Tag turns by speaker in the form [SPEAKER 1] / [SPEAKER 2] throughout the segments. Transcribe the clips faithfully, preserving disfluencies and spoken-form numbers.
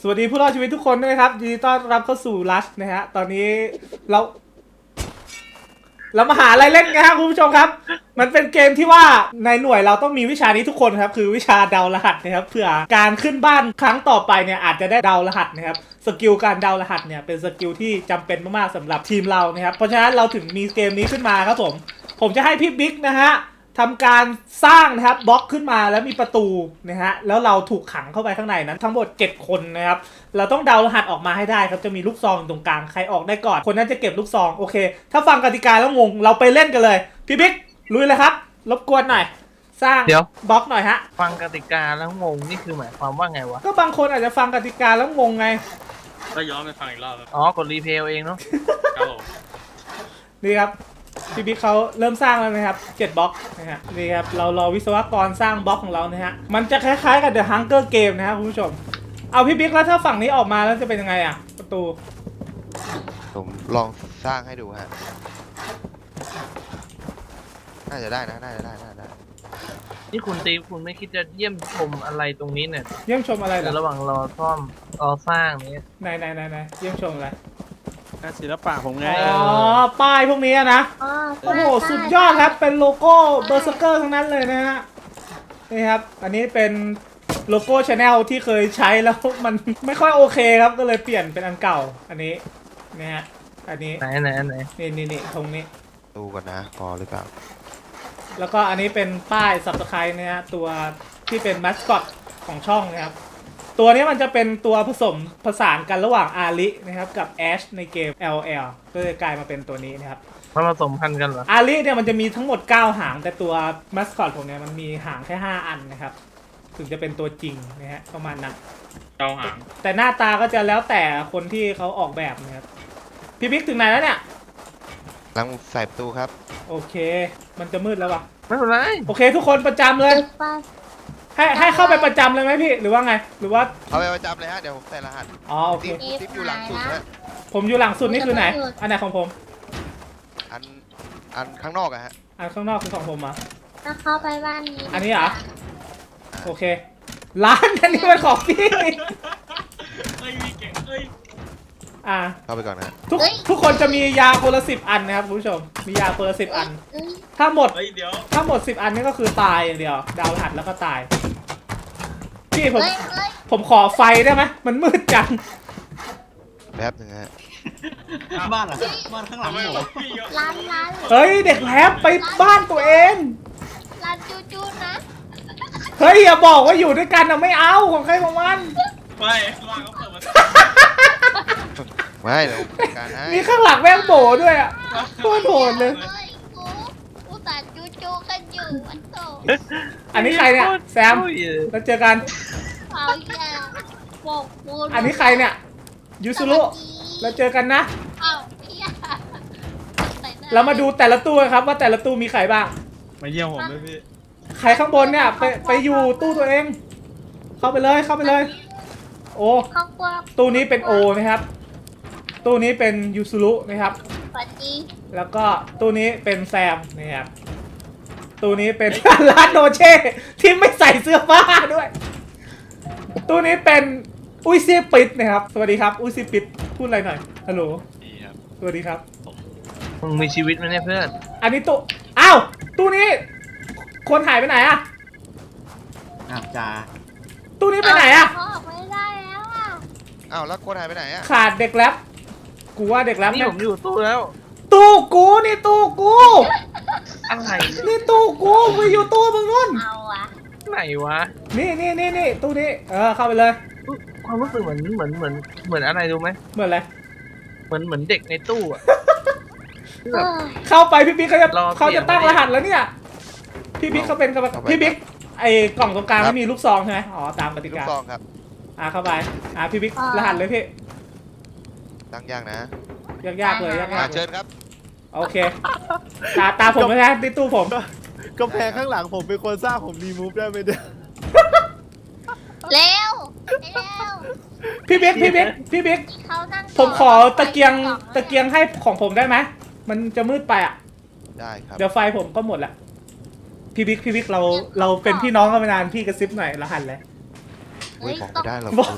[SPEAKER 1] สวัสดีผู้รอดชีวิตทุกคนด้วยนะครับยินดีต้อนรับเข้าสู่ลัชนะฮะตอนนี้เราเรามาหาอะไรเล่นกันครับคุณผู้ชมครับมันเป็นเกมที่ว่าในหน่วยเราต้องมีวิชานี้ทุกคนครับคือวิชาเดารหัสนะครับเพื่อการขึ้นบ้านครั้งต่อไปเนี่ยอาจจะได้เดารหัสนะครับสกิลการเดารหัสเนี่ยเป็นสกิลที่จำเป็นมากๆสำหรับทีมเรานะครับเพราะฉะนั้นเราถึงมีเกมนี้ขึ้นมาครับผมผมจะให้พี่บิ๊กนะฮะทำการสร้างนะครับบล็อกขึ้นมาแล้วมีประตูนะฮะแล้วเราถูกขังเข้าไปข้างในนั้นทั้งหมดเจ็ดคนนะครับเราต้องเดารหัสออกมาให้ได้ครับจะมีลูกซองตรงกลางใครออกได้ก่อนคนนั้นจะเก็บลูกซองโอเคถ้าฟังกติกาแล้วงงเราไปเล่นกันเลยพี่บิ๊กลุยเลยครับรบกวนหน่อยสร้าง
[SPEAKER 2] เดี๋ยว
[SPEAKER 1] บล็อกหน่อยฮะ
[SPEAKER 2] ฟังกติกาแล้วงงนี่คือหมายความว่าไงวะ
[SPEAKER 1] ก็บางคนอาจจะฟังกติกาแล้วงงไง
[SPEAKER 3] ก็ย้อนไปฟังอีกรอบครับ
[SPEAKER 2] อ๋อกดรีเพลย์เองเนาะ
[SPEAKER 3] ครับผม
[SPEAKER 1] นี่ครับพี่บิ๊กเขาเริ่มสร้างแล้วนะครับเจ็ดบล็อกนะฮะนี่ครับเรารอวิศวกรสร้างบล็อกของเรานะฮะมันจะคล้ายๆกับ The Hunger Game นะครับคุณผู้ชมเอาพี่บิ๊กแล้วถ้าฝั่งนี้ออกมาแล้วจะเป็นยังไงอ่ะประตู
[SPEAKER 4] ผมลองสร้างให้ดูฮะ น่าจะได้นะ น่าจะได้ น่าจะได้
[SPEAKER 2] นี่คุณตีคุณไม่คิดจะเยี่ยมชมอะไรตรงนี้เนี่ย
[SPEAKER 1] เยี่ยมชมอะไรเหร
[SPEAKER 2] แต่
[SPEAKER 1] อ
[SPEAKER 2] ระหว่างรอซ่อมรอสร้างนี้
[SPEAKER 1] ไหนไหนไหนไหนเยี่ยมชมอะไร
[SPEAKER 5] งานศิลปะผมไง
[SPEAKER 1] อ๋อป้ายพวกนี้นะโอ้โหสุดยอดครับเป็นโลโก้เบอร์เซอร์เกอร์ทั้งนั้นเลยนะฮะนี่ครับอันนี้เป็นโลโก้ชาแนลที่เคยใช้แล้วมันไม่ค่อยโอเคครับก็เลยเปลี่ยนเป็นอันเก่าอันนี้นะฮะอันนี้
[SPEAKER 2] ไหนไหนไหน
[SPEAKER 1] นี่นี่นี่ตรงนี้
[SPEAKER 4] ดูก่อนนะ พอหรือเปล่า
[SPEAKER 1] แล้วก็อันนี้เป็นป้ายสับสไครต์นะฮะตัวที่เป็นมัสคอตของช่องนะครับตัวนี้มันจะเป็นตัวผสมผสานกันระหว่างอารินะครับกับแอชในเกม แอล แอล ก็เลยกลายมาเป็นตัวนี้นะครับ
[SPEAKER 2] มันผสมพันธุ์กันเหรอ
[SPEAKER 1] อาริเนี่ยมันจะมีทั้งหมดเก้าหางแต่ตัวมัสคอตผมเนี่ยมันมีหางแค่ห้าอันนะครับถึงจะเป็นตัวจริงนะฮะประมาณนั้น
[SPEAKER 3] เจ้าหาง
[SPEAKER 1] แต่หน้าตาก็จะแล้วแต่คนที่เขาออกแบบนะครับพี่บิ๊กถึงไหนแล้วเนี่ย
[SPEAKER 4] ลังใส่ประตูครับ
[SPEAKER 1] โอเค มันจะมืดแล้ววะ
[SPEAKER 2] ไม่เป็นไร
[SPEAKER 1] โอเค ทุกคนประจำเลย ให้ให้เข้าไปประจำเลยไหมพี่หรือว่าไงหรือว่า
[SPEAKER 4] เอาไปประจำเลยฮะ เดี๋ยวผมใส่รหัส
[SPEAKER 1] อ๋อโอเค
[SPEAKER 4] ติ๊บติ๊บอยู่หลังสุดฮะ
[SPEAKER 1] ผมอยู่หลังสุดนี่คือไหนอันไหนของผม
[SPEAKER 4] อัน อันข้างนอกอะฮะ
[SPEAKER 1] อันข้างนอกคือของผมอ่ะ
[SPEAKER 6] ถ้าเข้าไปบ้านนี้
[SPEAKER 1] อันนี้เหรอโอเคร้านอันนี้มันของพี่
[SPEAKER 3] เอ้ยมีเก่งเอ้ย
[SPEAKER 1] อ่า
[SPEAKER 4] เข้าไปก่อนนะ
[SPEAKER 1] ทุกทุกคนจะมียาคนละสิบอันนะครับคุณผู้ชมมียาคนละสิบอัน
[SPEAKER 6] เอ้ย
[SPEAKER 1] ถ้าหมด
[SPEAKER 3] เฮ้ยเดี๋ยว
[SPEAKER 1] ถ้าหมดสิบอันนี่ก็คือตายอย่างเดียว ดาวหัดแล้วก็ตาย พี่ผม
[SPEAKER 6] เอ้ยเอ้ย
[SPEAKER 1] ผมขอไฟได้ไหมมันมืดจัง
[SPEAKER 4] แป๊บหนึงฮะ
[SPEAKER 5] บ้านเหรอบ้านข้างหลัง
[SPEAKER 3] ทำไม
[SPEAKER 5] หนู
[SPEAKER 3] วะพี่ก็
[SPEAKER 6] ร้านร้าน
[SPEAKER 1] เฮ้ยเด็กแลบไปบ้านตัวเอง
[SPEAKER 6] ร้านจูจูนะ
[SPEAKER 1] เฮ้ยอย่าบอกว่าอยู่ด้วยกันนะไม่เอาของใครของมัน
[SPEAKER 3] ไม่ว่างเขาเปิดมา
[SPEAKER 4] ไม่เดี๋ยวผมจัดการให้
[SPEAKER 1] มีข้างหลังแม่งโบด้วยอ่ะโคตรโหดเลย
[SPEAKER 6] เอ้ยกูกูตัดจูจูกันอยู่วันโต
[SPEAKER 1] อันนี้ใครเนี่ยแซม
[SPEAKER 2] อุ้ย
[SPEAKER 1] แล้วเจอกัน
[SPEAKER 6] เอาอย่าบอกกู
[SPEAKER 1] อันนี้ใครเนี่ยยูซุรุแล้วเจอกันนะ
[SPEAKER 6] เอาอย่า
[SPEAKER 1] เรามาดูแต่ละตู้กันครับว่าแต่ละตู้มีใครบ้าง
[SPEAKER 5] มาเยี่ยมผมด้วยพี่
[SPEAKER 1] ใครข้างบนเนี่ยไปไปอยู่ตู้ตัวเอง เข้าไปเลยเข้าไปเลย โอ้
[SPEAKER 6] ครอบครัว
[SPEAKER 1] ตู้นี้เป็นโอนะครับ ตู้นี้เป็นยูซุรุนะครับ
[SPEAKER 6] สวัสดี
[SPEAKER 1] แล้วก็ตู้นี้เป็นแซมนะครับ ตู้นี้เป็น ร้านโนเช่ที่ไม่ใส่เสื้อผ้าด้วย ตู้นี้เป็นอุ้ยซีปิดนะครับ สวัสดีครับ อุ้ยซีปิดพูดอะไรหน่อย ฮัลโหล
[SPEAKER 3] ดีครับ
[SPEAKER 1] สวัสดีครับ
[SPEAKER 2] มึงมีชีวิตไหมเนี่ยเพื่อน
[SPEAKER 1] อันนี้ตู้ อ้าว ตู้นี้ คนหายไปไหนอะ
[SPEAKER 5] อ้าวจ้า
[SPEAKER 1] ตู้นี้ไปไหนอะ
[SPEAKER 6] พ่อไม่ได้แล้วอ่ะ
[SPEAKER 4] อ้าวแล้วคนหายไปไหนอะ
[SPEAKER 1] ขาดเด็กแรปกูว่าเด็กแรป
[SPEAKER 2] นี่
[SPEAKER 1] แม่
[SPEAKER 2] ผ
[SPEAKER 1] ง
[SPEAKER 2] มอยู่ตู้แล้ว
[SPEAKER 1] ตู้กูนี่ตู้กู
[SPEAKER 2] อะไร
[SPEAKER 1] นี่ตู้กูไปอยู่ตู้มึงนู่น
[SPEAKER 6] เอาอ่ะ
[SPEAKER 2] ไหนวะ
[SPEAKER 1] นี่นี่นี่นี่ตู้นี้ เออเข้าไปเลย
[SPEAKER 2] ความรู้สึกเหมือนเหมือนเหมือนเหมือนอะไรรู้ไหม
[SPEAKER 1] เหมือนอะไร
[SPEAKER 2] เหมือนเหมือนเด็กในตู้อะที่
[SPEAKER 6] เอ
[SPEAKER 2] แบบ
[SPEAKER 6] อ
[SPEAKER 1] เข้าไปพี่บิ๊กเขาจะ
[SPEAKER 2] รอ
[SPEAKER 1] เขาจะตั้ง
[SPEAKER 2] เปลี่
[SPEAKER 1] ร
[SPEAKER 2] ยน
[SPEAKER 1] หัสแล้วเนี่ย พี่บิ๊กเขาเป็นกรรมการพี่บิ๊กไอ้กล่องตรงกลางไม่มีลูกซองใช่ไหมอ๋อตามกติ
[SPEAKER 4] ลูก
[SPEAKER 1] กา
[SPEAKER 4] ซองครับ
[SPEAKER 1] อ่าเข้าไปอ่าพี่บิ๊กรหัสเลยพี่
[SPEAKER 4] ตั้งยากนะ
[SPEAKER 1] ยากๆเลยยา
[SPEAKER 4] อ่าก
[SPEAKER 1] ๆเล
[SPEAKER 4] เชิ
[SPEAKER 1] ย
[SPEAKER 4] ญครับ
[SPEAKER 1] โอเคตาตาผมไม่ใช่ที่ตู้ผม
[SPEAKER 5] ก็แพงข้างหลังผมเป็นคนสร้างผมรีมูฟได้ไหมเนี่ย
[SPEAKER 6] เร็วเร็ว
[SPEAKER 1] พี่บิ๊กพี่บิ๊กพี่บิ๊ก
[SPEAKER 6] เขานั่ง
[SPEAKER 1] ผมขอตะเกียงตะเกียงให้ของผมได้ไหมมันจะมืดไปอ่ะ
[SPEAKER 4] ได้ครับ
[SPEAKER 1] เดี๋ยวไฟผมก็หมดละพี่บิ๊กพี่บิ๊กเราเราเป็นพี่น้องกันมานานพี่กระซิบหน่อยรหัสเลย
[SPEAKER 4] อุ้ยของไม่ได้หรอก
[SPEAKER 1] บอก
[SPEAKER 4] คุณ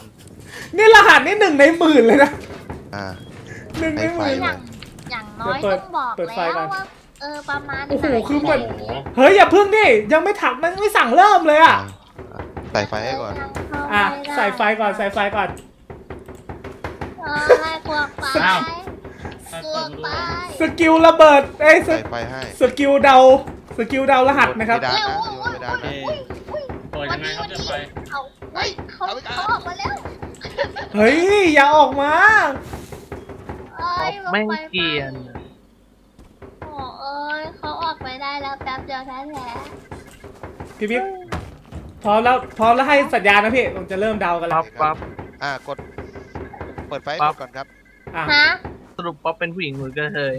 [SPEAKER 1] นี่รหัสนี่หนึ่งในหมื่นเลยนะ
[SPEAKER 4] อ่า
[SPEAKER 1] หนึ่งในหมื่น
[SPEAKER 6] อย่างอย่างน้อย
[SPEAKER 1] เดี๋ยวเปิด
[SPEAKER 6] ต้องบอก
[SPEAKER 1] เปิดไฟ
[SPEAKER 6] แล้ว
[SPEAKER 1] ก่อน
[SPEAKER 6] ว่าเออประมาณ
[SPEAKER 1] โอ้โห
[SPEAKER 6] ไหน
[SPEAKER 1] คือมัน
[SPEAKER 3] โอ้โห
[SPEAKER 1] เฮ้ยอย่าพึ่งดิยังไม่ถักมันไม่สั่งเริ่มเลยอ่ะ
[SPEAKER 4] อ่าใส่ไฟให้ก่อน
[SPEAKER 1] อ่ะใส่ไฟก่อนใส่ไฟก่อน
[SPEAKER 6] เออไล่พวกไป
[SPEAKER 3] อ้าว
[SPEAKER 6] พวกไป
[SPEAKER 1] สกิลระเบิดเอ้ยส
[SPEAKER 4] ใส่ไฟให้
[SPEAKER 1] สกิลเดาสกิลเดารหัสนะครับ
[SPEAKER 4] โยนเพดานนะโยนเพดานนะ
[SPEAKER 3] เปิดยังไงครับจะไป
[SPEAKER 6] เอาเฮ้ยเขาเขาออกมาแล้ว
[SPEAKER 1] เฮ้ยอย่าออกมา
[SPEAKER 6] เอ้ย
[SPEAKER 2] แม่ง
[SPEAKER 6] ไฟ
[SPEAKER 2] เกรียน
[SPEAKER 6] โอ้เอ้ยเขาออกไปได้แล้วแป๊บเดียวแท้
[SPEAKER 1] พี่บิ๊กพร้อมแล้วพร้อมแล้วให้สัญญาณนะพี่ผมจะเริ่มเดากันแล้ว
[SPEAKER 2] ป๊อปป๊อป
[SPEAKER 4] อ่ากด เปิดไฟให้
[SPEAKER 2] ปั๊
[SPEAKER 4] หม
[SPEAKER 2] บ
[SPEAKER 4] ดก่อนครับ
[SPEAKER 1] อ่ะ
[SPEAKER 6] ๆฮะ
[SPEAKER 2] สรุปป๊อปเป็นผู้หญิงหรือกระเทย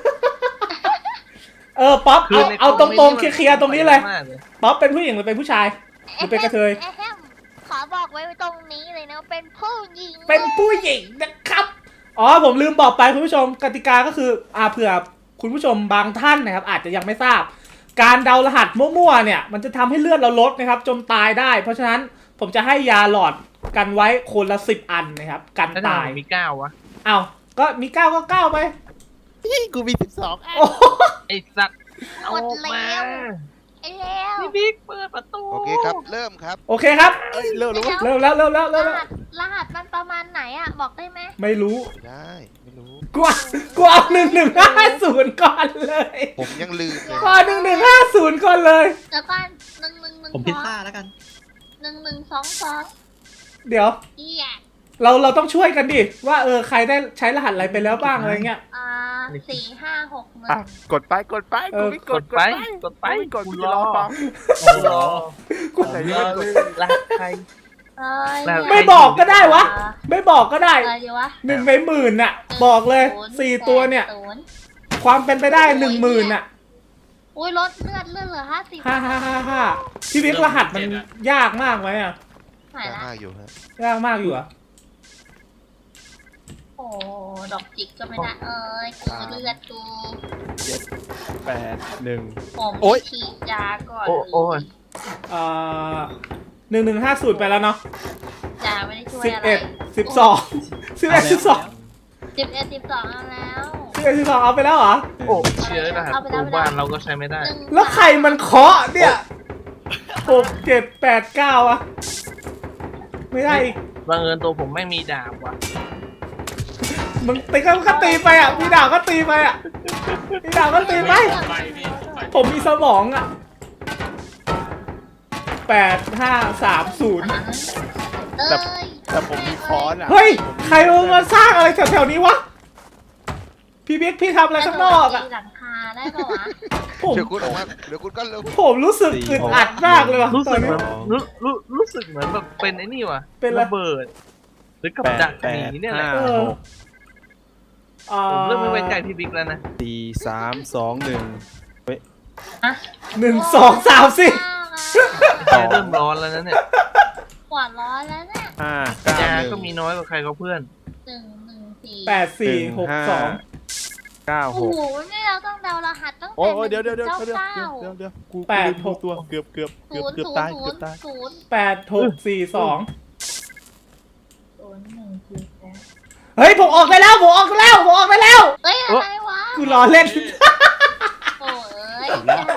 [SPEAKER 1] เออป๊อปเอา
[SPEAKER 2] ใน
[SPEAKER 1] เอาตรงๆเคลียร์ๆตรงนี้เลย
[SPEAKER 2] มากเลย
[SPEAKER 1] ป๊อปเป็นผู้หญิงหรือเป็นผู้ชาย หรือเป็นกระเทย
[SPEAKER 6] แอะแฮมขอบอกไว้ตรงนี้เลยนะเป็นผู้หญิง
[SPEAKER 1] เป็นผู้หญิงนะครับ อ๋อผมลืมบอกไปคุณผู้ชมกติกาก็คืออ่าเผื่อคุณผู้ชมบางท่านนะครับ อาจจะยังไม่ทราบ การเดารหัสมั่วๆเนี่ยมันจะทำให้เลือดเราลดนะครับจนตายได้ เพราะฉะนั้นผมจะให้ยาหลอดกันไว้คนละสิบอันนะครับกัน
[SPEAKER 2] แล้วทำ
[SPEAKER 1] ตา
[SPEAKER 2] ไม
[SPEAKER 1] ย
[SPEAKER 2] มีเก้าวะ
[SPEAKER 1] เอาก็มีเก้าก็เก้าไป
[SPEAKER 5] พี่กูมีสิบสองอัน
[SPEAKER 1] โอ้โห
[SPEAKER 2] ไอ้สัตว์เอามา
[SPEAKER 6] ไอ้แล้ว
[SPEAKER 2] พี่บิ๊กเปิดประตู
[SPEAKER 4] โอเคครับ เริ่มครับ
[SPEAKER 1] โอเคครับ
[SPEAKER 5] เอ้ยเร็วแล้ววะ
[SPEAKER 1] เริ่มแล้วเริ่มแล้ว
[SPEAKER 6] ร
[SPEAKER 1] เริ่มแล้ว
[SPEAKER 6] หัสรหัสมันประมาณไหนอ่ะบอกได้ไหม
[SPEAKER 1] ไม่รู้
[SPEAKER 4] ไม่ได้ ไม่รู้
[SPEAKER 1] กูเอากูเอาหนึ่งหนึ่งห้าศูนย์ก่อนเลย
[SPEAKER 4] ผมยังลืมเลย
[SPEAKER 1] ก่อนหนึ่งหนึ่งห้าศูนย์ก่อนเลย
[SPEAKER 6] แล้วก็หนึ่งหนึ่งหนึ่ง
[SPEAKER 7] ผมพิซซ่าแล้วกัน
[SPEAKER 6] หนึ่งหนึ่งสองสอง
[SPEAKER 1] เดี๋ยว
[SPEAKER 6] เอีย
[SPEAKER 1] เราเราต้องช่วยกันดิว่าเออใครได้ใช้รหัสอะไรไปแล้วบ้างอะไรเงี้ย
[SPEAKER 6] อ่าสี่ห้าหกหนึ่
[SPEAKER 5] อ่ะ
[SPEAKER 6] ง
[SPEAKER 5] กดไปกดไป
[SPEAKER 1] เออ
[SPEAKER 5] กูไม่ก
[SPEAKER 2] ก
[SPEAKER 5] ด
[SPEAKER 2] ดไปกดไป
[SPEAKER 5] กูไม่กด
[SPEAKER 2] กู
[SPEAKER 5] กู
[SPEAKER 2] ร
[SPEAKER 5] จะ
[SPEAKER 2] อ
[SPEAKER 5] รอฟัง
[SPEAKER 2] กูรอ
[SPEAKER 1] กู
[SPEAKER 5] ไหน
[SPEAKER 2] ร
[SPEAKER 5] ไม่
[SPEAKER 2] อก
[SPEAKER 5] ด
[SPEAKER 2] เลยรหัสใคร
[SPEAKER 6] เอ้ย
[SPEAKER 2] แล้ว
[SPEAKER 1] ไม่บอกก็ได้วะ ไม่บอกก็ได้
[SPEAKER 6] อะไรดีวะ
[SPEAKER 1] หนึ่งในหมื่นน่ะ บอกเลย
[SPEAKER 6] ศูน
[SPEAKER 1] สี่ตัวเนี่ย
[SPEAKER 6] ศูนย์
[SPEAKER 1] ความเป็นไปได้หนึ่งหมื่นน่ะ
[SPEAKER 6] อุ้ยลดเลือดเลือดเหลือห้าสิบ
[SPEAKER 1] ห้าห้าห้าห้าพี่วิกรหัสมันยากมากไหมอ่ะ
[SPEAKER 6] หายละ
[SPEAKER 4] ห้าอยู่ฮะ
[SPEAKER 1] ยากมากอยู่อ่ะ
[SPEAKER 6] โอ้ดอกจิกก็ไม่ได้เอ้ยกูเลือดกู
[SPEAKER 5] แปดหนึ่ง
[SPEAKER 6] ผม
[SPEAKER 5] โอ๊ย
[SPEAKER 6] ฉีดยาก่อน
[SPEAKER 2] โอ้โอ้ย
[SPEAKER 1] เอ่อหนึ่งหนึ่งห้าศูนย์ไปแล้วเนาะ
[SPEAKER 6] ยาไม่ได้ช่วย
[SPEAKER 1] สิบ
[SPEAKER 6] อะไร
[SPEAKER 1] เอ็ดสิบสองสิบเอ็ดสิบสอง
[SPEAKER 6] สิบเอ็ดสิบสองเอาแล้ว
[SPEAKER 1] สิบเอ็ดสิบสองเอาไปแล้วเหรอ
[SPEAKER 2] โอ้เชื้อรหัสตู้บ้านเราก็ใช้ไม่ได้
[SPEAKER 6] หนึ่ง
[SPEAKER 1] แล้วใครมันเคาะเนี่ยหกเจ็ดแปดเก้าอะไม่ได้อีก
[SPEAKER 2] บังเอิญตัวผมไม่มีดาบว่ะ
[SPEAKER 1] มึงตีก็ก็ตีไปอ่ะมีดาวก็ตีไปอ่ะมีดาวก็ตีไป
[SPEAKER 3] ไปพี่ไป
[SPEAKER 1] ผมมีสมองอ่ะแปดห้าสามศูนย์
[SPEAKER 6] เอ้ย
[SPEAKER 5] แต่ผมมีค้อนอ่ะ
[SPEAKER 1] เฮ้ย ใครเอามาสร้างอะไรแถวๆนี้วะ พี่บิ๊กพี่ทำอะไรข้างนอกอ่ะ
[SPEAKER 6] ตีหลังคาได้ปะวะ
[SPEAKER 1] ผม
[SPEAKER 4] เดี๋ยวคุณออกมา เดี๋ยวคุณก็เร็ว
[SPEAKER 1] ผมรู้สึกอึดอัดมากเลยว่ะ
[SPEAKER 2] รู้
[SPEAKER 1] ต
[SPEAKER 2] สึ
[SPEAKER 1] อน
[SPEAKER 2] กเห
[SPEAKER 1] นี้
[SPEAKER 2] มือนรู้รู้รู้สึกเหมือนแบบเป็นไอ้นี่ว่ะ
[SPEAKER 1] เป็นอะไร
[SPEAKER 2] ระเบิด หรือกับ
[SPEAKER 5] แปด
[SPEAKER 2] ดัก
[SPEAKER 5] แป
[SPEAKER 2] ห
[SPEAKER 5] ด
[SPEAKER 2] นีเนี่ยแห
[SPEAKER 5] ห้า
[SPEAKER 2] ละ
[SPEAKER 1] เออ
[SPEAKER 5] หก
[SPEAKER 1] อ่า
[SPEAKER 2] ผมเริ่มไม่ไว้ใจพี่บิ๊กแล้วนะ
[SPEAKER 5] สี่สามสองหนึ่ง
[SPEAKER 1] หนึ่งสองสามสี่
[SPEAKER 2] ใจเริ่มร้อนแล้วนะเนี่ย
[SPEAKER 6] ขวานร้อนแล้วเนี่ย
[SPEAKER 5] ห้าเก้าย
[SPEAKER 2] า
[SPEAKER 5] หนึ่ง
[SPEAKER 2] ก็มีน้อยกว่าใครเขาเพื่อน
[SPEAKER 6] หนึ่งหนึ่งสี่
[SPEAKER 1] แปดสี่หกสอง
[SPEAKER 5] เก้า
[SPEAKER 6] โอ้
[SPEAKER 5] หก
[SPEAKER 6] โหนี่เราต้องเดารหัสตั้ง
[SPEAKER 5] โอ้
[SPEAKER 6] แต่
[SPEAKER 5] โอ้เดี๋ยวเดี๋ยวเดี๋ยว
[SPEAKER 6] เก้า
[SPEAKER 5] เดี๋ยว
[SPEAKER 6] เก้า
[SPEAKER 5] เดี๋ยวเดี๋ยวกู
[SPEAKER 1] แปด
[SPEAKER 5] กูลืม
[SPEAKER 1] หก
[SPEAKER 5] ตัวเกือบเกือบเกื
[SPEAKER 6] ศู
[SPEAKER 5] อบ
[SPEAKER 6] นย์
[SPEAKER 5] เกือบ
[SPEAKER 6] ศูน
[SPEAKER 5] ตาย
[SPEAKER 6] ย์ศู
[SPEAKER 5] เกือน บ
[SPEAKER 6] ย์
[SPEAKER 5] ตาย
[SPEAKER 6] ศูนย์
[SPEAKER 1] แปดหกสี่สอง
[SPEAKER 6] ศูนย์หนึ่งสี่แปด
[SPEAKER 1] เฮ้ยผมออกไปแล้วผมออกไปแล้วผมออกไปแล้ว
[SPEAKER 6] เฮ้ยอะไรวะ
[SPEAKER 1] กูรอเล่น
[SPEAKER 6] โอ้ย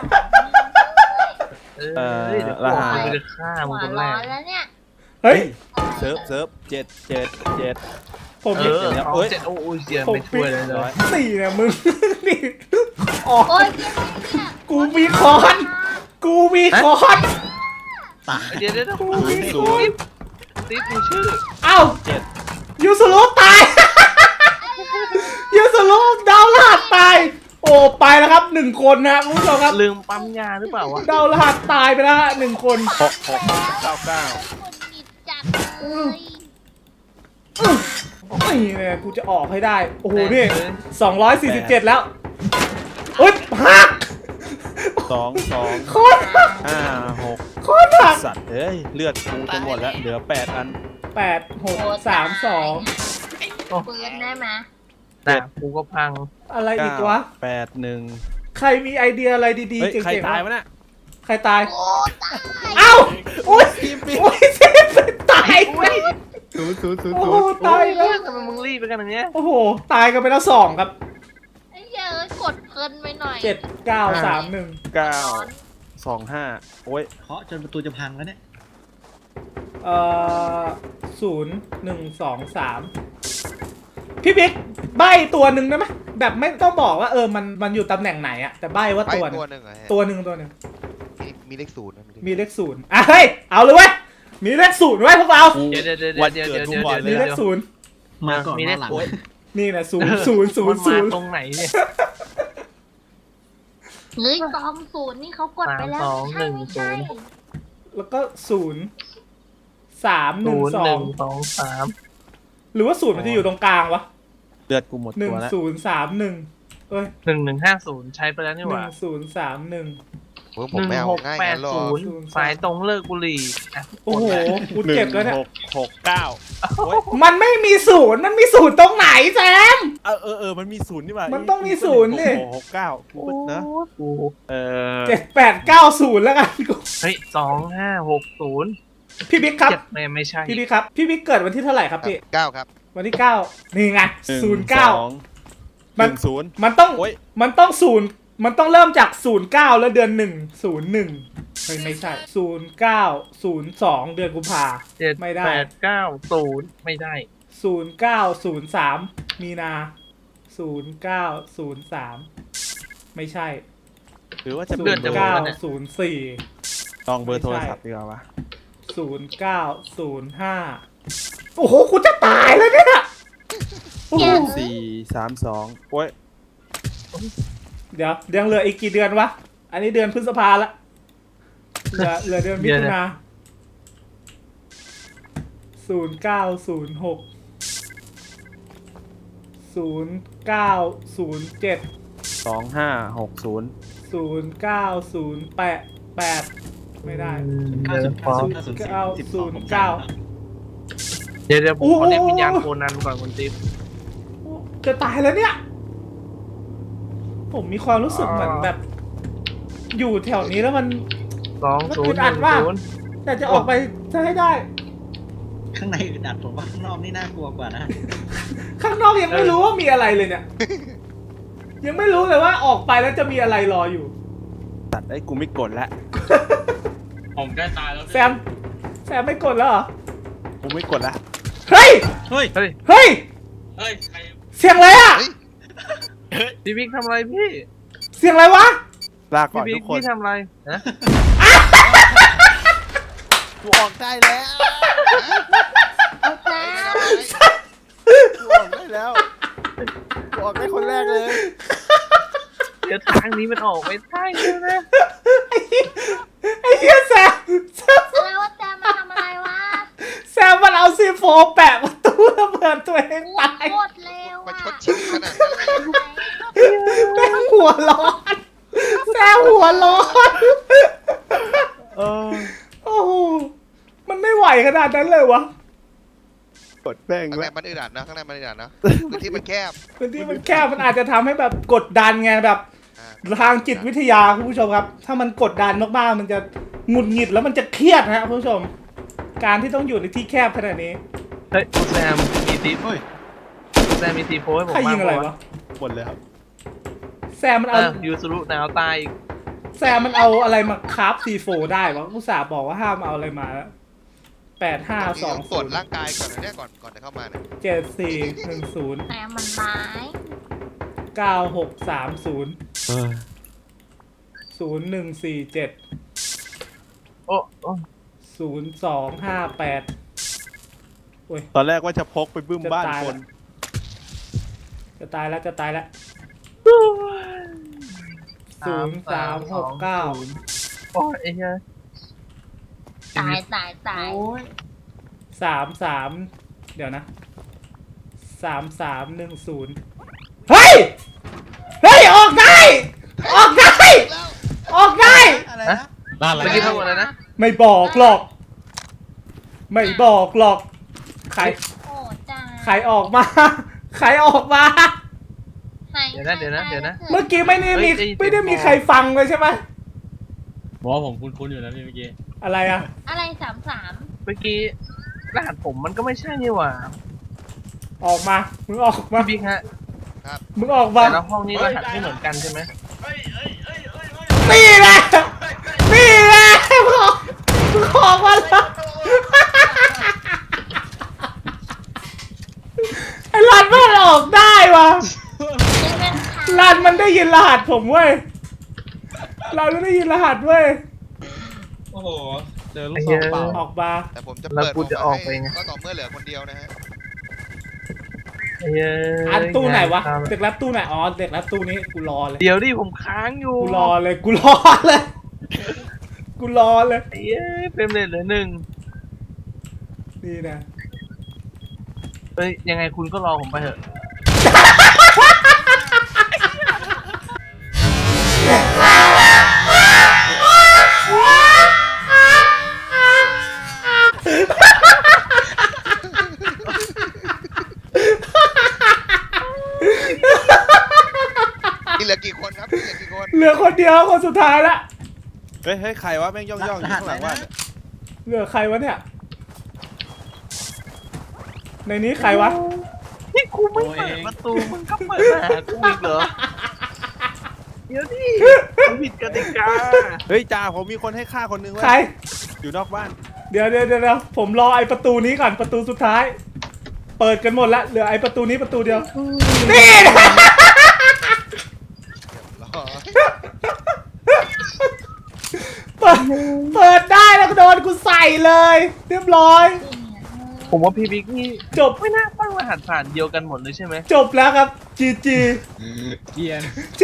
[SPEAKER 2] เออเดี๋ยวกูออกไปจะฆ่า
[SPEAKER 6] ข
[SPEAKER 2] มึง
[SPEAKER 6] วา
[SPEAKER 2] คน น
[SPEAKER 6] ร้
[SPEAKER 2] แร
[SPEAKER 6] อก นแล้วเนี่ย
[SPEAKER 1] เฮ้ย
[SPEAKER 5] เซิร์ฟเซิร์ฟเจ็ดเจ็ดเจ็ด
[SPEAKER 1] ผม
[SPEAKER 2] เอ
[SPEAKER 1] มี
[SPEAKER 2] อ
[SPEAKER 5] เดี๋ยว
[SPEAKER 2] เอา
[SPEAKER 5] เอ้ย
[SPEAKER 2] เจ็ดโอ้โหเสีย
[SPEAKER 1] ผม
[SPEAKER 2] ไม่ช่วยเลยเล
[SPEAKER 5] ร้อย
[SPEAKER 2] ย
[SPEAKER 1] สี่เนี่ยมึง นี่ออก
[SPEAKER 6] โอ้ยเจ๊เนี่ย
[SPEAKER 1] กูมีคอน กูมีคอน
[SPEAKER 7] ตาย
[SPEAKER 2] เดี๋ยวเดี๋ยวเดี๋ยว
[SPEAKER 1] กูมีค
[SPEAKER 2] ติ๊
[SPEAKER 1] อบ น
[SPEAKER 2] ติ๊บดูชื่อ
[SPEAKER 1] เอ้า
[SPEAKER 5] เจ็ด
[SPEAKER 1] ยูสุรุตาย ยูสุรุดาวรหัสตาย โอ้ไปแล้วครับหนึ่งคนนะคุณผู้ชมครับ
[SPEAKER 2] ลืมปั๊มยาหรือเปล่าวะ
[SPEAKER 1] ดาวรหัสตายไปแล้วฮะหนึ่งคน
[SPEAKER 5] หกหกเก้าเก้า
[SPEAKER 6] คนหงิดจัดเลย
[SPEAKER 1] นี่เนี่ยกูจะออกให้ได้ โอ้โหนี่สองร้อยสี่สิบเจ็ดแล้วเฮ้ยหัก
[SPEAKER 5] สองสอง
[SPEAKER 1] โคตรหัก
[SPEAKER 5] ห้าหก
[SPEAKER 1] โคตรหัก
[SPEAKER 5] สัตว์เอ้ยเลือดกูจะหมดแล้วเหลือแปดอัน
[SPEAKER 1] แปดหกสามสอง
[SPEAKER 6] ปืนได้ไหม
[SPEAKER 2] แต่กูก็พัง
[SPEAKER 1] อะไรอีกวะ
[SPEAKER 5] แปดหนึ่ง
[SPEAKER 1] ใครมีไอเดียอะไรดีๆ
[SPEAKER 5] เฮ้ย
[SPEAKER 1] เก่งๆ
[SPEAKER 5] ใครตายวะ
[SPEAKER 1] บ้าง
[SPEAKER 5] น่ะ
[SPEAKER 1] ใครตาย
[SPEAKER 6] โอ้ตาย
[SPEAKER 1] เอ้า อุ้ยอุ้ยเซฟตายเว้ย
[SPEAKER 5] ศูนย์ศูนย์ศูนย์
[SPEAKER 1] โอ้
[SPEAKER 5] ศู
[SPEAKER 1] โห
[SPEAKER 5] นย์
[SPEAKER 1] ตายอีก
[SPEAKER 2] เฮ้
[SPEAKER 1] แล้
[SPEAKER 2] ยว ทำไมมึงรีบไปกันอย่างเงี้ย
[SPEAKER 1] โอ้โหตายกันไปแล้วสองครับ
[SPEAKER 6] ไอ้เหี้ยเอ้ยกดเพลินไปหน่อย
[SPEAKER 1] เจ็ดเก้าสามหนึ่ง
[SPEAKER 5] เก้าสองห้าโอ้ย
[SPEAKER 7] เคาะจนประตูจะพังแล้วเนี่ย
[SPEAKER 1] เอ่อศูนย์หนึ่งสองสามพี่บิ๊กใบตัวหนึ่งได้ไหมแบบไม่ต้องบอกว่าเออมันมันอยู่ตำแหน่งไหนอะแต่ใบว่า
[SPEAKER 4] ไป
[SPEAKER 1] ตัวหนึ่
[SPEAKER 4] ตัว
[SPEAKER 1] ง
[SPEAKER 4] หนึ่งเหรอฮะ
[SPEAKER 1] ตัวหนึ่งตัวหนึ่ง
[SPEAKER 4] มีมีเลขศูนย์นะมี
[SPEAKER 1] มีเลขศูนย์อ่ะเฮ้ยเอาเลยเว้ยมีเลขศูนย์ไว้พวกเรา
[SPEAKER 2] เดี๋ยวเดี๋ยวเดี๋ยว
[SPEAKER 5] วัน
[SPEAKER 2] เดี๋ยว
[SPEAKER 5] เกิด
[SPEAKER 2] เดี๋ยว
[SPEAKER 5] กู
[SPEAKER 2] เดี๋ยว
[SPEAKER 5] ก่อนเล
[SPEAKER 1] มี
[SPEAKER 5] ย
[SPEAKER 1] เล
[SPEAKER 5] อะ
[SPEAKER 1] ขศูนย์
[SPEAKER 7] มาก่อน
[SPEAKER 2] มี
[SPEAKER 7] มา
[SPEAKER 2] เลข
[SPEAKER 7] หลัง
[SPEAKER 2] โอ้ย
[SPEAKER 1] นี่นะศูนย์ศูนย์ศูน
[SPEAKER 2] มั
[SPEAKER 1] ย์
[SPEAKER 2] น
[SPEAKER 1] ศู
[SPEAKER 2] มาน
[SPEAKER 1] ย์
[SPEAKER 2] ตรงไหนเนี่ย
[SPEAKER 6] เฮ้ยสองศูนย์นี่เขากดไปแล้ว
[SPEAKER 2] สามสอง
[SPEAKER 6] ไม่ใช่
[SPEAKER 2] หนึ่ง
[SPEAKER 6] ไม่ใช่
[SPEAKER 1] แล้วก็ศูนย์สามหนึ่
[SPEAKER 2] ศู
[SPEAKER 1] ง
[SPEAKER 2] นย์
[SPEAKER 1] สอ
[SPEAKER 2] หนึ่
[SPEAKER 1] ง
[SPEAKER 2] งสองสาม
[SPEAKER 1] หรือว่าศูนย์มันจะอยู่ตรงกลางวะ
[SPEAKER 5] เลือดกูหมด
[SPEAKER 1] หนึ่
[SPEAKER 5] ตั
[SPEAKER 1] ง
[SPEAKER 5] วแล้ว
[SPEAKER 1] ศูนย์สามหนึ่งเอ้ย
[SPEAKER 2] หนึ่งหนึ่งห้าศูนย์ใช้ไปแล้วนี่
[SPEAKER 1] ห
[SPEAKER 2] ห
[SPEAKER 1] นึ่
[SPEAKER 2] ว่าง
[SPEAKER 1] ศูนย์สามหนึ่ง
[SPEAKER 4] เฮ้ยผ
[SPEAKER 2] ห
[SPEAKER 4] ม
[SPEAKER 2] นึ่ง
[SPEAKER 4] ไม่เอา
[SPEAKER 2] หก
[SPEAKER 4] ง่าย
[SPEAKER 2] แป
[SPEAKER 4] งั้
[SPEAKER 2] ด
[SPEAKER 4] นหรอ
[SPEAKER 2] ศูนย์สายตรงเลิกบุหรี่อ่ะ
[SPEAKER 1] โอ้โหกู
[SPEAKER 5] หนึ่
[SPEAKER 1] เจ็บ
[SPEAKER 5] ง
[SPEAKER 1] แล้วเนี่ย
[SPEAKER 5] หกหกเก้าโอ้ย
[SPEAKER 1] มันไม่มีศูนย์มันมีศูนย์ตรงไหนแซม
[SPEAKER 5] เออเออเออมันมีศูนย์นี่หว่า
[SPEAKER 1] มันต้องมีศูนย์นี่
[SPEAKER 5] หกหกเก้ากูก็นะ
[SPEAKER 2] โอ้
[SPEAKER 5] เออ
[SPEAKER 1] เจ็ดแปดเก้าศูนย์แล้วกันกู
[SPEAKER 2] เฮ้ยสองห้าหกศูนย์
[SPEAKER 1] พี่บิ๊กครับ
[SPEAKER 2] เจ็ดไม่ไม่ใช่
[SPEAKER 1] พี่บิ๊กครับพี่บิ๊กเกิดวันที่เท่าไหร่ครับพี่
[SPEAKER 4] เก้าครับ
[SPEAKER 1] วันที่เก้านี่ไง
[SPEAKER 5] หนึ่ง
[SPEAKER 1] ศูนย์เก้า
[SPEAKER 5] สองห
[SPEAKER 1] มัน
[SPEAKER 5] นึ่งศูนย์
[SPEAKER 1] มันต้อง
[SPEAKER 5] โอ้ย
[SPEAKER 1] มันต้องศูนย์มันต้องเริ่มจากศูนย์เก้าแล้วเดือนหนึ่งศูนย์หนึ่งไม่ไม่ใช่ศูนย์เก้าศูนย์สองเดือนกุมภา
[SPEAKER 2] เจ็ด
[SPEAKER 1] ไม่ได้
[SPEAKER 2] แปดเก้าศูนย์ไม่ได้
[SPEAKER 1] ศูนย์เก้าศูนย์สามมีนาศูนย์เก้าศูนย์สามไม่ใช่
[SPEAKER 5] หรือว่าจะ
[SPEAKER 1] ศู
[SPEAKER 5] เลือด
[SPEAKER 1] นย์
[SPEAKER 5] จะหมด
[SPEAKER 1] เก้า
[SPEAKER 5] แล้วเนี่ย
[SPEAKER 1] ศูนย์สี่
[SPEAKER 5] ลองเบอร์โทรศัพท์ดีกว่าวะ
[SPEAKER 1] ศูนย์เก้าศูนย์ห้าโอ้โหกูจะตายแล้วเนี่ยโอ้โห
[SPEAKER 5] สี่สามสองโอ้ย
[SPEAKER 1] เดี๋ยวยังเหลืออีกกี่เดือนวะ อันนี้เดือนพฤษภาละเหลือเหลือเดือนมิถุนาศูนย์เก้าศูนย์หกศูนย์เก้าศูนย์เจ็ด
[SPEAKER 5] สองห้าหกศูนย์
[SPEAKER 1] ศูนย์เก้าศูนย์แปดแปดไม่ได้
[SPEAKER 7] เก้า
[SPEAKER 2] เดี๋
[SPEAKER 7] ศู
[SPEAKER 2] ย
[SPEAKER 7] นย์
[SPEAKER 2] ว
[SPEAKER 7] เก้าศูนย์เก้าศูนย์สิบสองผม
[SPEAKER 1] เก้า
[SPEAKER 2] เดี๋ยวเดี๋ยวผม
[SPEAKER 1] โอ้โห
[SPEAKER 2] ขอเรียกวิญญาณโคนันก่อนคุณติ๊บ
[SPEAKER 1] จะตายแล้วเนี่ย ผมมีความรู้สึกเหมือนแบบ อยู่แถวนี้แล้วมัน
[SPEAKER 2] สองศูนย์ห
[SPEAKER 1] มันอึดอั
[SPEAKER 2] นึ่
[SPEAKER 1] ด
[SPEAKER 2] ง
[SPEAKER 1] มาก
[SPEAKER 2] ศูนย์
[SPEAKER 1] แต่จะออกไปจะให้ได้
[SPEAKER 7] ข้างในอึดอัดผมว่าข้างนอกนี่น่ากลัวกว่านะ
[SPEAKER 1] ข้างนอกยังไม่รู้ว่ามีอะไรเลยเนี่ย ยังไม่รู้เลยว่าออกไปแล้วจะมีอะไรรออยู่
[SPEAKER 5] ตัดไอ้กูไม่กดแล้ว
[SPEAKER 3] ผมใกล้ตายแล้ว
[SPEAKER 1] แซม แซมไม่กดแล้วเหรอ
[SPEAKER 5] กูไม่กดแล้ว
[SPEAKER 1] เฮ้ย
[SPEAKER 7] เฮ้ย
[SPEAKER 2] เฮ้ย
[SPEAKER 1] เฮ้ย
[SPEAKER 3] เฮ้ยใคร
[SPEAKER 1] เสียงอะไรอ่ะ
[SPEAKER 4] เฮ้ย
[SPEAKER 2] พี่บิ๊กทำอะไรพี่
[SPEAKER 1] เสียงอะไรวะ
[SPEAKER 5] ลาก่อ
[SPEAKER 2] พี่
[SPEAKER 5] น
[SPEAKER 2] บิ๊
[SPEAKER 5] ทุ
[SPEAKER 2] ก
[SPEAKER 5] กคน
[SPEAKER 2] พี่ทำอะไรนะ
[SPEAKER 5] กูออกได้แล้ว
[SPEAKER 6] เอาแซม
[SPEAKER 5] กูออกได้แล้วกูออกได้คนแรกเลย
[SPEAKER 2] เดี๋ยวทางนี้มันออกไม่ได้เลยนะ
[SPEAKER 1] ไอ้เหี้ยแซมแซม
[SPEAKER 6] อะไรวะแซมมันทำอะไรวะ
[SPEAKER 1] แซมมันเอาซีโฟแปะประตูระเบิดตัวเองตาย
[SPEAKER 6] โคตรเร็ว
[SPEAKER 4] มา
[SPEAKER 6] อ่ะ
[SPEAKER 4] ชดชิงขนาดนั้นเลย
[SPEAKER 1] แซมหัวร้อน แซมหัวร้อน
[SPEAKER 5] เออ
[SPEAKER 1] โอ้โห มันไม่ไหวขนาดนั้นเลยวะ
[SPEAKER 5] กดแป้ง
[SPEAKER 4] ข้าง
[SPEAKER 5] ไว้
[SPEAKER 4] ในมันอึดอัดนะข้างในมันอึดอัดนะพื้นที่มันแคบ
[SPEAKER 1] พื้นที่มันแคบมันอาจจะทำให้แบบกดดันไงแบบ
[SPEAKER 4] อ่า
[SPEAKER 1] ทางจิตวิทยาคุณผู้ชมครับ ถ้ามันกดดันมากๆ มันจะหงุดหงิดแล้วมันจะเครียดนะครับคุณผู้ชม การที่ต้องอยู่ในที่แคบขนาดนี้
[SPEAKER 2] เฮ้ยแซมมีตี
[SPEAKER 7] เฮ้ย
[SPEAKER 2] แซมมีตีโพสให้ผม
[SPEAKER 1] ใครยิงอะไร
[SPEAKER 2] บ้าง
[SPEAKER 1] วะ
[SPEAKER 5] หมดเลยครับ
[SPEAKER 1] แซมมัน
[SPEAKER 2] อ่ะ
[SPEAKER 1] เอา
[SPEAKER 2] ยูสุรุหนาวตายอีก
[SPEAKER 1] แซมมันเอาอะไรมาคราฟซีโฟได้วะอุตส่าห์บอกว่าห้ามเอาอะไรมาแล้วแปดห้าสอง
[SPEAKER 4] ตรวจร่างกายก่อนนะเนี่ยก่อนก่อนจะเข้ามาเนี่ย
[SPEAKER 1] เจ็ดสี่หนึ่งศูนย์
[SPEAKER 6] แซมมันร้าย
[SPEAKER 1] เก้าหกสามศูนย์
[SPEAKER 5] เออ
[SPEAKER 1] ศูนย์หนึ่งสี่เจ็ด
[SPEAKER 2] โอ้โอ้
[SPEAKER 1] ศูนย์สองห้าแปดโอ้ย
[SPEAKER 5] ตอนแรกว่าจะพกไปบึ้มบ้านคน
[SPEAKER 1] จะตายแล้วจะตายแล้วศูนย์สามหกเก้า
[SPEAKER 2] โอ้ยไอ้เหี้ย
[SPEAKER 6] ตายตายตาย
[SPEAKER 7] โอ้ย
[SPEAKER 1] สามสามเดี๋ยวนะสามสามหนึ่งศูนย์เฮ้ย เฮ้ย ออกได้ ออกได้ ออกได้
[SPEAKER 7] อะไรนะ
[SPEAKER 3] บ้านอะไร
[SPEAKER 2] เมื่อกี้ทั้งหมดเลยนะ
[SPEAKER 1] ไม่บอกหรอก ไม่บอกหรอก ใคร
[SPEAKER 6] โอ้จ้า
[SPEAKER 1] ใครออกมา ใครออกมา
[SPEAKER 2] เดี๋ยวนะเดี๋ยวนะเดี๋ยวนะ
[SPEAKER 1] เมื่อกี้ไม่ได้มี
[SPEAKER 2] เฮ้ยได้ยิน
[SPEAKER 1] ไม่ได้มี
[SPEAKER 2] เสียง
[SPEAKER 1] ใครฟังเลยใช่ไหม
[SPEAKER 3] บอกว่าผมคุ้นๆอยู่นะพี่เมื่อกี้
[SPEAKER 1] อะไรอะ
[SPEAKER 6] อะไรสามสาม
[SPEAKER 2] เมื่อกี้รหัสผมมันก็ไม่ใช่นี่หว่า
[SPEAKER 1] ออกมามึงออกมา
[SPEAKER 2] พี่บิ๊กฮะ
[SPEAKER 1] มึงออกมา
[SPEAKER 2] แต่ละห้องนี้รหัสไม่เหมือนกันใช่ไหม
[SPEAKER 3] เฮ้ยเฮ้ยเฮ้ยเฮ้ยเฮ้ย
[SPEAKER 1] นี่แหละนี่แหละมึงออกมึงออกมาแล้วไอ้รันมันออกได้วะ
[SPEAKER 6] นี่เป็นใคร
[SPEAKER 1] รันมันได้ยินรหัสผมเว้ยรันมันได้ยินรหัสเว้ย
[SPEAKER 3] โอ้โหเจอลู
[SPEAKER 2] ไอ้
[SPEAKER 3] กซ
[SPEAKER 2] เหี้
[SPEAKER 3] อย งเปล่า
[SPEAKER 1] ออกมา
[SPEAKER 4] แต่ผมจะ
[SPEAKER 2] แล้ว
[SPEAKER 4] เปิด
[SPEAKER 2] กูจะออกไป
[SPEAKER 4] ให้
[SPEAKER 2] ไง
[SPEAKER 4] ก็ต่อเมื่อเหลือคนเดียวนะฮะ
[SPEAKER 2] ไอ้เหี้ย
[SPEAKER 1] อันตู้ไหนวะ
[SPEAKER 2] งา
[SPEAKER 1] เด็กรับตู้ไหนอ๋อเด็กรับตู้นี้กูรอเลย
[SPEAKER 2] เดี๋ยวดิผมค้างอยู่
[SPEAKER 1] กูรอเลยกูรอเลยกูรอเลย
[SPEAKER 2] ไอ้เหี้ยเฟรมเรทเหลือหนึ่ง
[SPEAKER 1] นี่นะ
[SPEAKER 2] เอ้ยยังไงคุณก็รอผมไปเถอะ
[SPEAKER 4] นี่เหลือกี่คนครับนี่เหลือกี่คน
[SPEAKER 1] เหลือคนเดียวคนสุดท้ายละ
[SPEAKER 5] เฮ้ยเฮ้ยใครวะแม่งย่องย่องอยู่ข้างหลังว่า
[SPEAKER 1] เหลือใครวะเนี่ยในนี้ใครวะ
[SPEAKER 2] นี่กูไม่เปิดประตูมึงก็เปิดมาหากูอีกเหรอ เดี๋ยวดิผมผิดกติกา
[SPEAKER 5] เฮ้ยจ่าผมมีคนให้ฆ่าคนนึงเว้ย
[SPEAKER 1] ใคร
[SPEAKER 5] อยู่นอกบ้าน
[SPEAKER 1] เดี๋ยวเดี๋ยวเดี๋ยวผมรอไอประตูนี้ก่อนประตูสุดท้าย เปิดกันหมดละเหลือไอประตูนี้ประตูเดียวนี่นะ
[SPEAKER 4] รอ
[SPEAKER 1] เปิดเปิดได้แล้วก็โดนกูใส่เลย เรียบร้อย
[SPEAKER 2] ผมว่าพี่บิ๊กนี่
[SPEAKER 1] จบ
[SPEAKER 2] ไม่น่าตั้งรหัสผ่านเดียวกันหมดเลยใช่ไหม
[SPEAKER 1] จบแล้วครับจีจี
[SPEAKER 3] เกียน
[SPEAKER 1] จี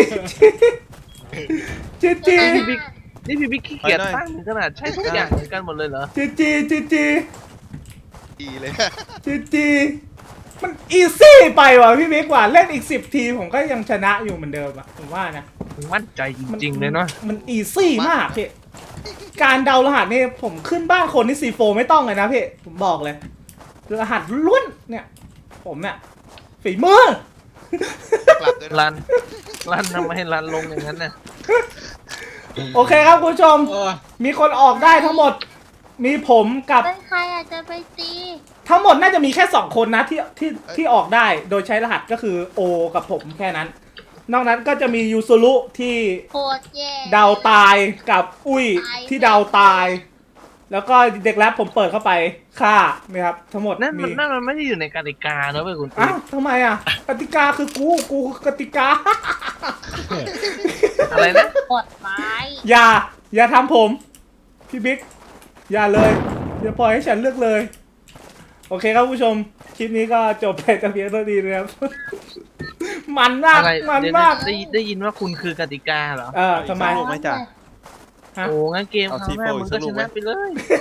[SPEAKER 1] จีจีจี
[SPEAKER 2] พี่บิ๊กนี่พี่บิ๊กขี้เกียจตั้งถึงขนาดใช้ทุกอย่างเหมือนกันหมดเลยเหรอ
[SPEAKER 1] จีจีจีจี
[SPEAKER 4] ดีเลย
[SPEAKER 1] จีจีมันอีซี่ไปว่ะพี่บิ๊กว่าเล่นอีกสิบทีผมก็ยังชนะอยู่เหมือนเดิมอะผมว่านะ
[SPEAKER 2] มั่นใจจริงๆเลยเนาะ
[SPEAKER 1] มันอีซี่มากพี่การเดารหัสนี่ผมขึ้นบ้านคนที่ซีโฟไม่ต้องเลยนะพี่ผมบอกเลยรหัสล้วนเนี่ย ผมเนี่ยฝีมือ
[SPEAKER 4] กลับด้วยนะ
[SPEAKER 2] รัน รันทำไมรันลงอย่างนั้นน่ะ
[SPEAKER 1] โอเคครับคุณผู้ชม
[SPEAKER 3] โอ้ย
[SPEAKER 1] มีคนออกได้ทั้งหมด มีผมกับ
[SPEAKER 6] เป็นใครอาจจะไปตี
[SPEAKER 1] ทั้งหมดน่าจะมีแค่สองคนนะที่ที่ที่ออกได้โดยใช้รหัสก็คือโอกับผมแค่นั้น นอกนั้นก็จะมียูซุรุที่
[SPEAKER 6] โคตรแย่
[SPEAKER 1] เดาตายกับอุ้ยที่เดาตาย แล้วก็เด็กแรปผมเปิดเข้าไปฆ่านะครับทั้งหมด
[SPEAKER 2] นั่น
[SPEAKER 1] มี
[SPEAKER 2] มันนั่นมันไม่ได้อยู่ในกติกาเนอะเว้ยคุณติ๊
[SPEAKER 1] อ้าวทำไมอ่ะกติกาคือกูกูคือกติกา
[SPEAKER 2] อะไรนะ
[SPEAKER 6] กดไม้
[SPEAKER 1] อย่า อย่าทำผม พี่บิ๊ก อย่าเลย อย่าปล่อยให้ฉันเลือกเลย โอเคครับผู้ชม คลิปนี้ก็จบไปแต่เพียงเท่านี้นะครับ มันมาก
[SPEAKER 2] อะไร
[SPEAKER 1] มัน
[SPEAKER 2] เดี๋ยว
[SPEAKER 1] มาก
[SPEAKER 2] ได้ได้ยินว่าคุณคือกติกาเหรอ
[SPEAKER 1] เออทำไม
[SPEAKER 5] ลูกไหมจ่า
[SPEAKER 1] ฮะ
[SPEAKER 2] โอ้งั้นเกมคราวหน้ามึงก็ชนะไปเลย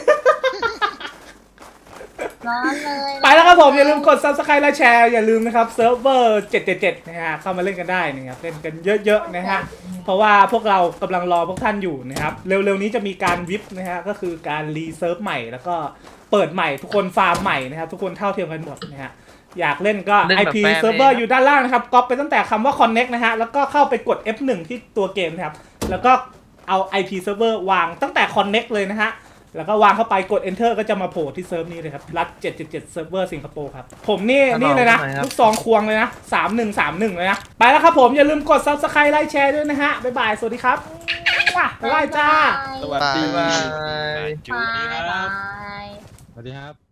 [SPEAKER 6] ร้อนเลย
[SPEAKER 1] ไปแล้วครับผม อย่าลืมกด ซับสไครบ์ และแชร์ อย่าลืมนะครับเซิร์ฟเวอร์เจ็ดเจ็ดเจ็ดนะฮะเข้ามาเล่นกันได้นะครับเล่นกันเยอะๆนะฮะเพราะว่าพวกเรากำลังรอพวกท่านอยู่นะครับเร็วๆนี้จะมีการวิปนะฮะก็คือการรีเซิร์ฟใหม่แล้วก็เปิดใหม่ทุกคนฟาร์มใหม่นะครับทุกคนเท่าเทียมกันหมดนะฮะอยากเล่นก็
[SPEAKER 2] เล่น
[SPEAKER 1] ไอ
[SPEAKER 2] แบบ
[SPEAKER 1] พี
[SPEAKER 2] แฟร์
[SPEAKER 1] เซิร์ฟเวอร์
[SPEAKER 2] เอง
[SPEAKER 1] อยู่ด้านล่างนะครับก๊อปไปตั้งแต่คำว่า connect นะฮะแล้วก็เข้าไปกด เอฟ หนึ่ง ที่ตัวเกมนะครับแล้วก็เอา ไอ พี server วางตั้งแต่ connect เลยนะฮะแล้วก็วางเข้าไปกด enter ก็จะมาโผล่ที่เซิร์ฟนี้เลยครับรัดเจ็ดเจ็ดเจ็ดเซิร์ฟเวอร์สิงคโปร์ครับผมนี่
[SPEAKER 2] ครับ
[SPEAKER 1] นี่เลยนะ
[SPEAKER 2] ผมครับ
[SPEAKER 1] ลูกซองควงเลยนะสามหนึ่งสามหนึ่งเลยนะไปแล้วครับผมอย่าลืมกด ซับสไครบ์ ไลค์แชร์ด้วยนะฮะบ๊ายบายสวัสดีครับว้าบ๊ายบายจ้า
[SPEAKER 5] สวัสดี
[SPEAKER 2] บ๊ายบาย
[SPEAKER 3] จุดนี้ครับ
[SPEAKER 6] บาย
[SPEAKER 3] สวัสดีครับ